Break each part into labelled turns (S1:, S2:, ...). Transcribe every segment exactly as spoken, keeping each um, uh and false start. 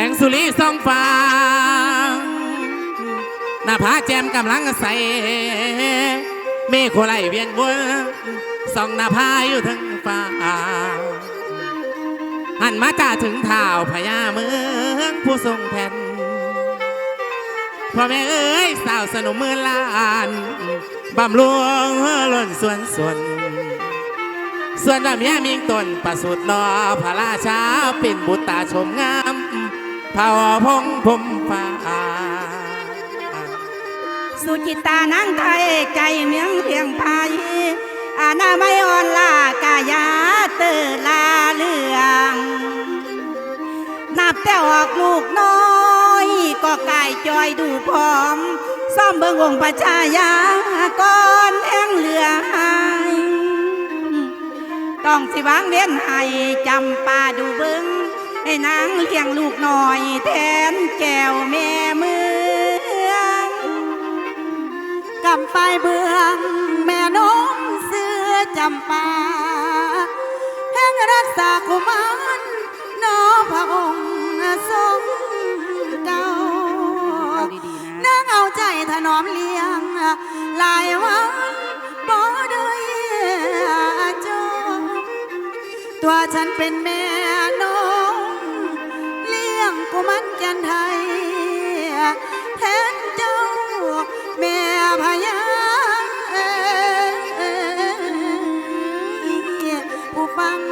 S1: งสุรีส่องฟ้าหน้าผาแจมกำลังใสเมฆโคไลเวียนวนส่องหน้าผาอยู่ทั้งฟ้าหันมาจ่าถึงเท้าพญาเมืองผู้ทรงแผ่นพ่อแม่เอ้ยสาวสนุมเมืองลานบำรวงล้นส่วนส่วนส่วนดำยามิงตนประสุดนอพระราชาเป็นบุตรตาชมงามเผ่าพงพมฟ้า
S2: สุจิตานางไทยใจเมียงเพียงพายอาณาไม่อ่อนลากายาเตอลาเลืองนับแต่ออกลูกน้อยก็กายจอยดูพร้อมซ่อมเบิ่งองค์พระชายาก่อนแห่งเหลือหายต้องสิวางเว้นให้จำปาดูเบิ่งให้นางเลี้ยงลูกน้อยแทนแก้วแม่เมืองกำไปเบื้องแม่น้องเสือจำปาแห่งรักษากุมารน้อพระองค์ทรงเก่านางเอาใจถนอมเลี้ยงหลายวันบ่ได้จบตัวฉันเป็นแม่น้องเลี้ยงกุมารจันไทยแทนเจ้าแม่พญาผู้ฟัง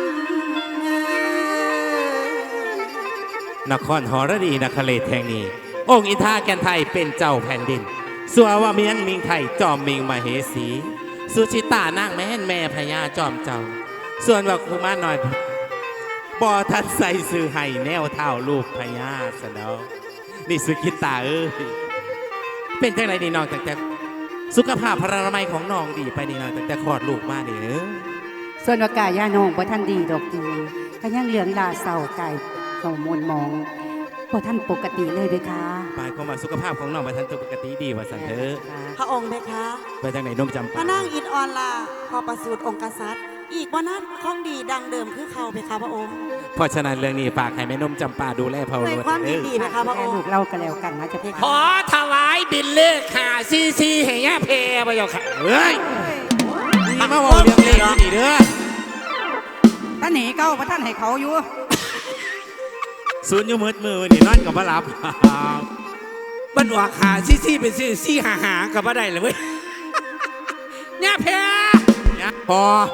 S1: นครหรดีนครเลศแห่งนี้องค์อินทราแกนไทยเป็นเจ้าแผ่นดินสัวว่าเมียงมิงไทยจอมมิงมเหสีสุชิตานางแม่นแม่พญาจอมเจ้าส่วนว่าคุมาหน่อยบ่ทันใส่ซื้อให้แนวเท่าลูกพญาสนองนี่สุขิตาเอ้ยเป็นจังไรนี่น้องแต่แต่สุขภาพพระนามัยของน้องดีไปนี่น้องแต่แต่คลอดลูกมานี่เด้อ
S2: ส่วนว่ากายย่าน้องบ่ท่านดีดอกดีก็ยังเหลืองลาเศร้ากายเศร้ามนมองบ่ท่านปกติเลยเด้อค่ะ
S1: หมายความว่าสุขภาพของน้องบ่ทันปกติดีว่าซั่นเด้อ
S3: พระองค์เพคะ
S1: ไปจังไหนนมจำปา
S3: พระนางอินออนลาพอประสูติองค์กษัตริย์อีกว่านั้นของดีดังเดิมคือเขาเพคะพระองค์
S1: เพราะฉะนั้นเรื่องนี้ฝากให้แม่นมจำปาดูแลเผ่า
S3: ด้วยความดีดีเพคะพระองค์
S2: ลูกเล่ากันแล้วกันนะจะเพคะ
S4: ขอถวายบินเลขหาซีซีให้ย่าเพไปยกค่ะ
S1: เฮ้ยนี่มาบอกเรื่องเลขนี่เด้อ
S2: ท่านหนีเก้าพระท่านให้เขาอยู่
S1: ศูนย์อยู่มืดมือนี่นอนกับมาหลับ
S4: มันออกหาซีซีเป็นซีซีหาหากับมาได้เลยเว้ยย่าเพ
S1: ย่าพ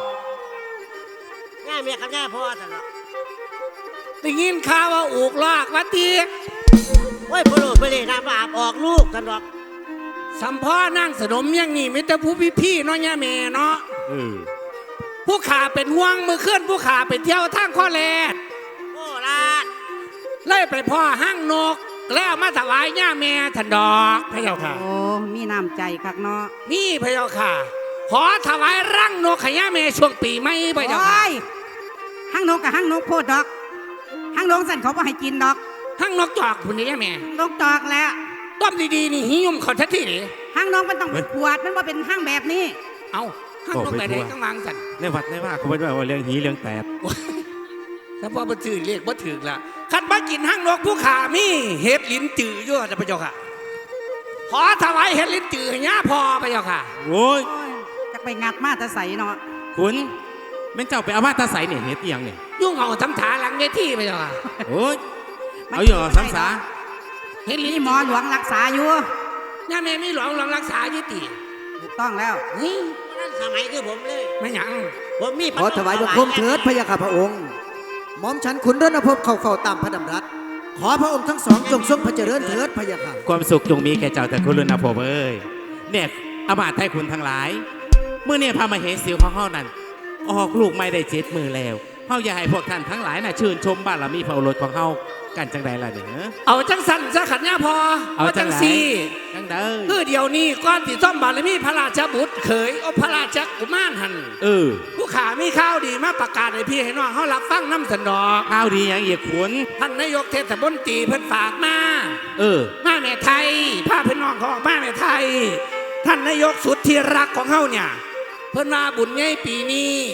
S3: อย่าเมียกับย่าพ่อตลอด
S4: ได้ยินข่าวว่าอูกลากวัดตี
S3: โอ้ยพลุไปเลยน้ำอาบออกลูกกันหรอก
S4: สัมพ่อนั่งสนมยังนี่ไม่แต่ผู้พี่พี่เนาะย่าเมเนาะผู้ขาเป็นห่วงมือเคลื่อนผู้ขาเป็นเที่ยวทางข้อแล
S3: โอ้ลาด
S4: ไล่ไปพ่อห้างนกแล้วมาถวายย่าแม่ทันดอกพระเจ้าค่ะ
S2: โอ้มีน้ำใจคักเนาะ
S4: นี่พระเจ้าค่ะขอถวายร่างนกขย่าแม่ช่วงปีไม่พระเจ้าค่ะ
S2: ห้างนกกับห้างนกโพดดอกห้างนกสั่นเขาบ่ให้กินดอก
S4: ห้างนกจอกคุณนี่ย่าแม่
S2: นกจอกแล้ว
S4: ต้มดีๆนี่หิยมเขาทัดที่นี่
S2: ห้างนกมันต้องขวดมันว่าเป็นห้างแบบนี้
S4: เอาห้างนกแบบไหนต้องวางสั่น
S1: ในวัดในว่าเขาไม่ได้ว่าเรื่องหีเรื่องแตด
S4: ถ้าพ่อมาจืดเรียกว่าถึงละคันมากินห้างนกผู้ขามีเห็ดลิ้นจืดเยอะนะพระเจ้าค่ะขอถวายเห็ดลิ้นจืดให้ย่าพอพระเจ้าค่ะ
S1: โอ้ย
S2: จะไปงัดมาตะใสเนาะ
S1: คุณเป็นเจ้าไปเอามาตะใสเนี่ยเห็ดเอียงเนี่ย
S4: ยุ่งเอาทำถาหลังเวทีพระเจ้าค่ะ
S1: โอ้ยเอาอยู่สังสา
S2: เห็ดลิ้นหมอหลวงรักษาอยู่
S4: ย่าแม่ไม่หลวงหลวงรักษายุติ
S2: ถูกต้องแล้ว
S4: นี่
S3: นั่นสมัยคือผมเลย
S4: ไม่หยัง
S3: ผมมี
S5: ขอถวายบังคมเถิดพระยาค่ะพระองค์หม่อมฉันขุนรณพบเข้าเฝ้าตามพระดำรัสขอพระองค์ทั้งสองจงทรงพระเจริญเถิดพระยาค่ะ
S1: ความสุขจงมีแก่เจ้าแต่คุณลุนผมเอ้ยเนี่ยอมาตย์ไทยคุณทั้งหลายเมื่อเนี่ยพามาเห็นสิวของเฮานั่นออกลูกไม่ได้เจ็ดมือแล้วเฮาอยากให้พวกท่านทั้งหลายน่ะชื่นชมบารมีพระโอรสของเฮากันจังใดล่ะเนี่ย
S4: เอาจังสันจะขัดย่าพอ
S1: เอาจังสี
S4: จังเด้อคือเดี๋ยวนี้ก้อนที่ซ่อมบารมีพระราชบุตรเขยโอพระราชกุมารหัน
S1: เออ
S4: ผู้ขามีข้าวดีมาประกาศให้พี่ให้น้องเขารับฟังน้ำสันดอก
S1: ข้าวดีอย่างเอียขุน
S4: ท่านนายกเทศมนตรีเพิ่นฝากมา
S1: เออ
S4: มาแม่ไทยพาพี่น้องเขาออกมาแม่ไทยท่านนายกสุดที่รักของเขาเนี่ยเพิ่นมาบุญใหญ่ปีนี้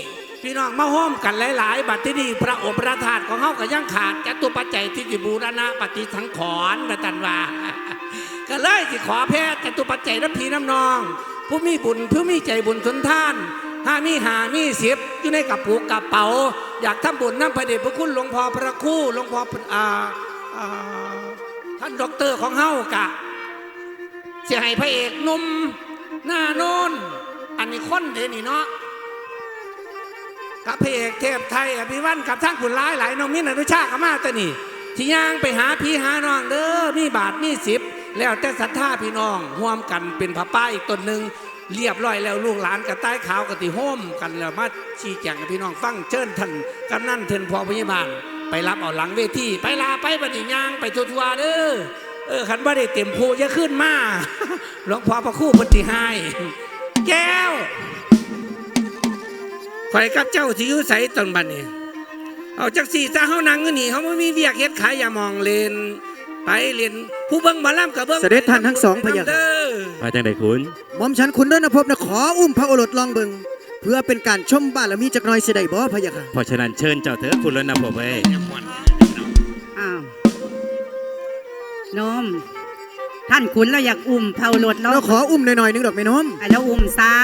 S4: พี่น้องมาห้อมกันหลายๆบัดที่นี่พระโอษฐ์พระธาตุของเฮาก็ยังขาดจตุปัจจัยที่สิบูรณะปฏิสังขรณ์นะจันว่า ก็เลยสิขอแพทย์จตุปัจจัยน้ำพีน้ำนอง ผู้มีบุญผู้มีใจบุญสุนทานห้ามีหามีสิบอยู่ในกระปุกกระเป๋าอยากทำบุญน้ำพระเดชพระคุณหลวงพ่อพระครู่หลวงพ่ออ่าอ่าท่านด็อกเตอร์ของเฮากะเสียให้พระเอกหนุ่มหน้าโน้นอันนี้คนเดนี่เนาะกับพระเอกเทพไทยอภิวันกับทั้งผุนร้ายหลายน้องมิ้นอนุชากับมาแต่นี่ที่ย่างไปหาพี่หาน้องเด้อมีบาทมีสิบแล้วแต่ศรัทธาพี่น้องร่วมกันเป็นพระป้าอีกตนหนึ่งเรียบร้อยแล้วลูกหลานกับใต้ขาวกับติโฮมกันแล้วมาชี้แจงกับพี่น้องฟังเชิญท่านกำนันเทินพอพยาบาลไปรับเอาหลังเวทีไปลาไปบัดนี้ย่างไปทัวร์เด้อเออขันบ่ได้เต็มภูจะขึ้นมาหลวงพ่อพระครู่ปฏิหายแก้วข่อยกับเจ้าที่อยู่ใสตอนบัดนี้เอาจักสี่ซะเฮานั่งอยู่นี่เขาไม่มีเวียกเฮ็ดขายอย่ามองเลนไปเรียนผู้เบิ่งหมอลำกับเบิ่ง
S5: เสด็จท่านทั้งสองพะยะค่ะ
S1: มาจังไดคุณ
S5: หม่อมฉันขุนรณพบนะขออุ้มพระโอรสลองเบิงเพื่อเป็นการชมบารมีจักหน่อยเสยได้บ่พะยะค่ะ
S1: เพราะฉะนั้นเชิญเจ้าเถอะคุณรณพงษ์เอ้ย
S2: อ้าวโนมท่านขุนเราอยากอุ้มเผาหลดเรา
S5: เราขออุ้มหน่อยๆนึงดอกแม่น้อม
S2: ไอ้เราอุ้มซา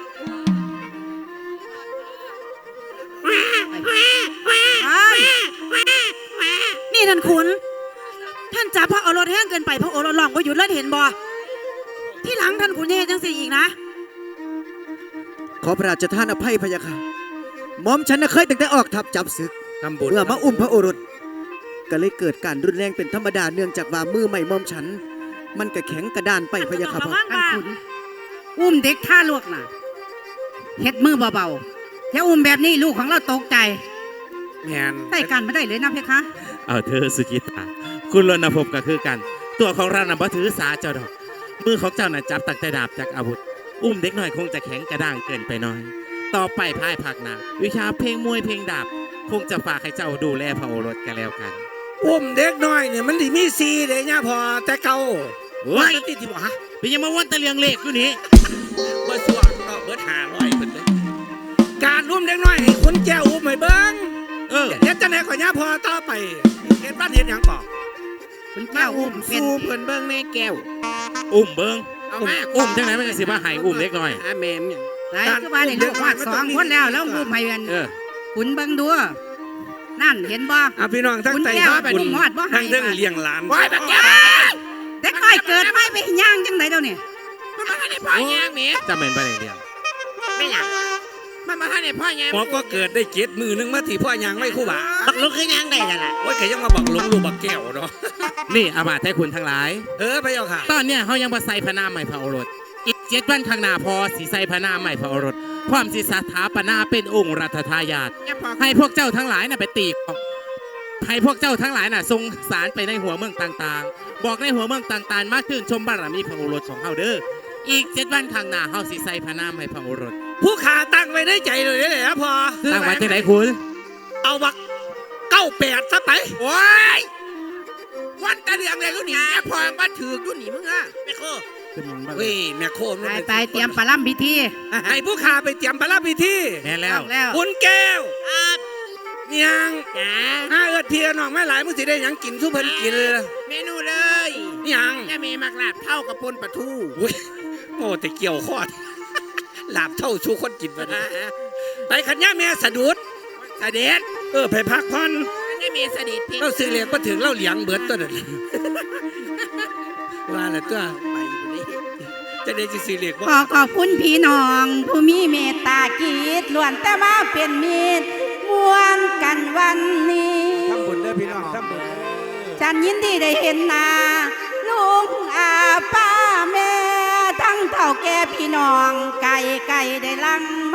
S2: อ้ายนี่ท่านขุนท่านจับพระโอรสแห้งเกินไปพระโอรสลองก็หยุดเลิศเห็นบ่ที่หลังท่านขุนยังจังสี่อีกนะ
S5: ขอพระราชทานอภัยพะยะค่ะหม่อมฉันน่ะเคยตั้งแต่ออกทัพจับศึก
S4: ทำบุญ
S5: เมื่อมาอุ้มพระโอรสก็เลยเกิดการรุนแรงเป็นธรรมดาเนื่องจากว่ามือใหม่หม่อมฉัน มันก็แข็งกระด้านไปพะยะค่ะพ่อ
S2: ท่านขุนอุ้มเด็กท่าลวกน่ะเฮ็ดมือเบาๆอย่าอุ้มแบบนี้ลูกของเราตกใจ
S4: แม่น
S2: ใต้กันไม่ได้เลยนะเพคะ
S1: เอาเธอสุกิตาคุณรณพงษ์ก็คือกัน ตัวของเราน่ะบ่ถือสาเจ้าดอกมือของเจ้าน่ะจับตั้งแต่ดาบจากอาวุธอุ้มเด็กน้อยคงจะแข็งกระด้างเกินไปหน่อย ต่อไปภายภาคหน้าวิชาเพลงมวยเพลงดาบคงจะฝากให้เจ้าดูแลพระโอรสกันแล้วกัน
S4: อุ้มเด็กน้อยเนี่ยมันดีมีซีเลยเนี่ยพอแต่เก่า
S1: โอ้ย
S4: มันติดที่บ่ฮะ
S1: เป็นยังมาวันตะเลียงเลขอยู่นี่
S4: เบิดส่วนก็เบิดหาร้อยเพิ่นเลยการอุ้มเด็กน้อยให้คนแก้วอุ้มให้เบิ่ง
S1: เออ
S4: เฮ็ดจังได๋ก็ย่าพอต่อไปเฮ็ดบ้านเฮ็ดหยังก่อ
S2: คุณแก้วอุ้มเป็น
S6: สู้เพิ่นเบิ่งแม่แก้ว
S1: อุ้มเบิ้ง
S6: เอา
S1: อุ้ม
S6: มา
S1: อุ้มจังไหนมันก็สิมาให้อุ้มเล็กน้อย
S6: อาแม่มเนี่ย
S2: ไหนคือว่าในลูกวาดสองคนแล้วแล้วอุ้มให้กัน
S1: เออ
S2: ขุนเบิ่งดูนั่นเห็นบ่
S4: อ่ะพี่น้องทั้ง
S2: คุณ
S4: ใจ
S2: แก้ว
S4: บุญ
S2: อุ้มฮอดบ่ให้
S4: ทั้งเรื่องเลี้ยงหลาน
S6: ว้ายบักแก้ว
S2: เด็กน้อยเกิดไม่ไปย่างจังไดเดี๋ยวนี้
S6: มันมาให้ได้พ่อย่างแม่
S1: จำเป็นประเด็นเดียว
S6: ไม่หยังมันมาให้ได้พ่อย่าง
S4: หมอก็เกิดได้เจ็ดมือนึงมาที่พ่อยังไม่คู่บ่า
S6: บักลุกคือย่างได้นั่นล่ะ
S4: โอ้ยแกยังมาบักหลงลูกบักแก้วเนาะ
S1: นี่อามาตย์ให้คุณทั้งหลาย
S4: เออไปเอาค่ะ
S1: ตอนเนี้ยเขายังมาใส่พระนามใหม่พระโอรส อีกเจ็ดวันข้างหน้าพอสีใส่พระนามใหม่พระโอรส พร้อมสีสถาปนาเป็นองค์รัชทายาท
S6: อย่าพอ
S1: ให้พวกเจ้าทั้งหลายน่ะไปตีกออกให้พวกเจ้าทั้งหลายน่ะทรงสารไปในหัวเมืองต่างๆ บอกในหัวเมืองต่างๆ มาชื่นชมบารมีพระโอรสของเฮาเด้อ อีกเจ็ดวันข้างหน้าเฮาสิใส่พระนามให้พระโอรส
S4: ผู้ขาตั้งไว้ในใจเลยเลยนะพอ
S1: ตั้งไว้ที่ไหนคุณ
S4: เอาบักเก้าแปดซะไป
S6: โอ้ยวันตะเลืองเลยกูหนีอย่าพอมาถือกูหนีมึงอ่ะไม่โค
S4: เฮ้ยแม่โคม
S2: ไปไปเตรียมปลาล่ำพิธี
S4: ให้ผู้ขาไปเตรียมพระราชพิธี
S1: แม่นแล้ว
S2: ต้องแล้ว
S4: คุณแก้ว
S6: อ่ะ
S4: ยัง
S6: จ๋า
S4: ห้าเอิดเพียน้องแม่หลายมึงสิได้หยังกินทุกเพิ่นกินเลย
S6: เมนูเลย
S4: ยัง
S6: จะมีมักลาบเท่ากับปนปลาทู
S4: อุ้ยโอ้แต่เกี่ยวข้อด หลาบเท่าชูคนกินไป
S6: อ่ะ
S4: ไปขันย่าแม่สะดุด
S6: เสด็จ
S4: เออไปพักผ่อน
S6: จะมีเสด็จเพียง
S4: เราซื้อเลี้ยงมาถึงเราเลี้ยงเบิดตัวนั้น ว่าแหละตัว
S6: ไปอยู่นี่
S4: จะได้จะซื้อเลี้ยง
S2: ข
S4: ว่า
S2: อขอบคุณพี่น้อง ผู้มีเมตตากีดล้วนแต่มาเป็นมิตรมวนกันวันนี้
S4: ทำบุญเด้อพี่น้องทำบุญ
S2: ฉันยินดีได้เห็นหน้าลุงอาป้าแม่ ทั้งเท่าแก่พี่น้องไก่ไก่ได้ลังมา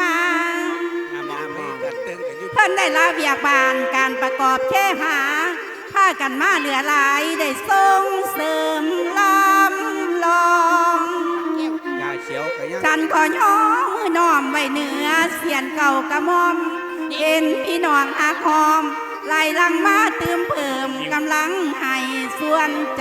S2: เพิ่นได้ลาเบียกบานการประกอบแค่หาผ้ากันมาเหลือหลายได้ส่งเสริมลำลอง
S4: ยาเขียวกับยัง
S2: ฉันขอย่อมือน้อมไว้เหนือเสียนเก่ากระมอมเอ็นพี่น้องอาคอมไล่ลังมาเติมเพิ่มกำลังให้ส่วนใจ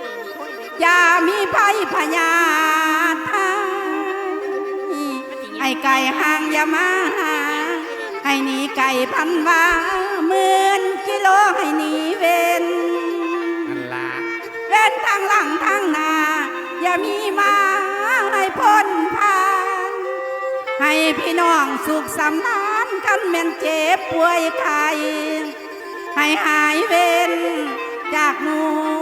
S2: อย่ามีภัยพยาธิให้ไก่ห่างอย่ามาหาให้หนีไก่พันว่าหมื่นกิโลให้หนีเวน
S4: นั่นละ
S2: เว้นทางหลังทางหน้าอย่ามีมาให้พ้นผ่านให้พี่น้องสุขสำราญกันแม่นเจ็บป่วยไข้ให้หายเว้นจากหน่